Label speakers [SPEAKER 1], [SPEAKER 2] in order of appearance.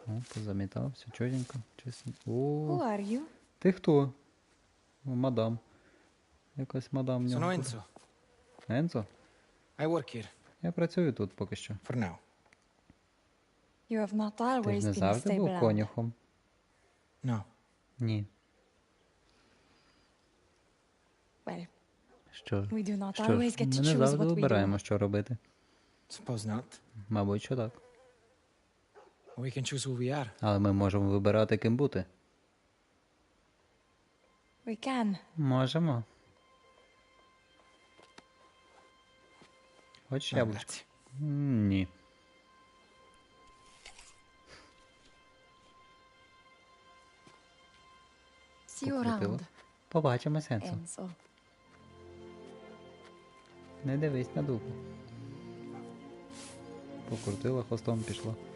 [SPEAKER 1] О, позамітав, все чотенько, чистенько.
[SPEAKER 2] Who
[SPEAKER 1] О,
[SPEAKER 2] are you?
[SPEAKER 1] ти хто? О, мадам. Якась мадам в
[SPEAKER 3] Sono
[SPEAKER 1] нього.
[SPEAKER 3] Enzo.
[SPEAKER 1] Енцо?
[SPEAKER 3] I work here,
[SPEAKER 1] Я працюю тут поки що.
[SPEAKER 3] for now.
[SPEAKER 2] You have not
[SPEAKER 1] Ти
[SPEAKER 2] always
[SPEAKER 1] ж не
[SPEAKER 2] been a
[SPEAKER 1] завжди
[SPEAKER 2] stable
[SPEAKER 1] був
[SPEAKER 2] hand.
[SPEAKER 1] конюхом?
[SPEAKER 3] No.
[SPEAKER 1] Ні.
[SPEAKER 2] Well,
[SPEAKER 1] Що?
[SPEAKER 2] we do not
[SPEAKER 1] Що
[SPEAKER 2] always
[SPEAKER 1] ж,
[SPEAKER 2] get
[SPEAKER 1] ми
[SPEAKER 2] to
[SPEAKER 1] не
[SPEAKER 2] choose
[SPEAKER 1] завжди
[SPEAKER 2] what we
[SPEAKER 1] вибираємо,
[SPEAKER 2] do.
[SPEAKER 1] що робити.
[SPEAKER 3] Suppose not.
[SPEAKER 1] Мабуть, що так.
[SPEAKER 3] We can choose who we are.
[SPEAKER 1] Але ми можемо вибирати, ким бути.
[SPEAKER 2] We can.
[SPEAKER 1] Можемо. Хочеш
[SPEAKER 3] No,
[SPEAKER 1] яблучко?
[SPEAKER 3] grazie.
[SPEAKER 1] Ні.
[SPEAKER 2] See you
[SPEAKER 1] Покрутила.
[SPEAKER 2] around,
[SPEAKER 1] Побачимо, Сенсо.
[SPEAKER 2] Enzo.
[SPEAKER 1] Не дивись на дупу. Покрутила, хвостом пішла.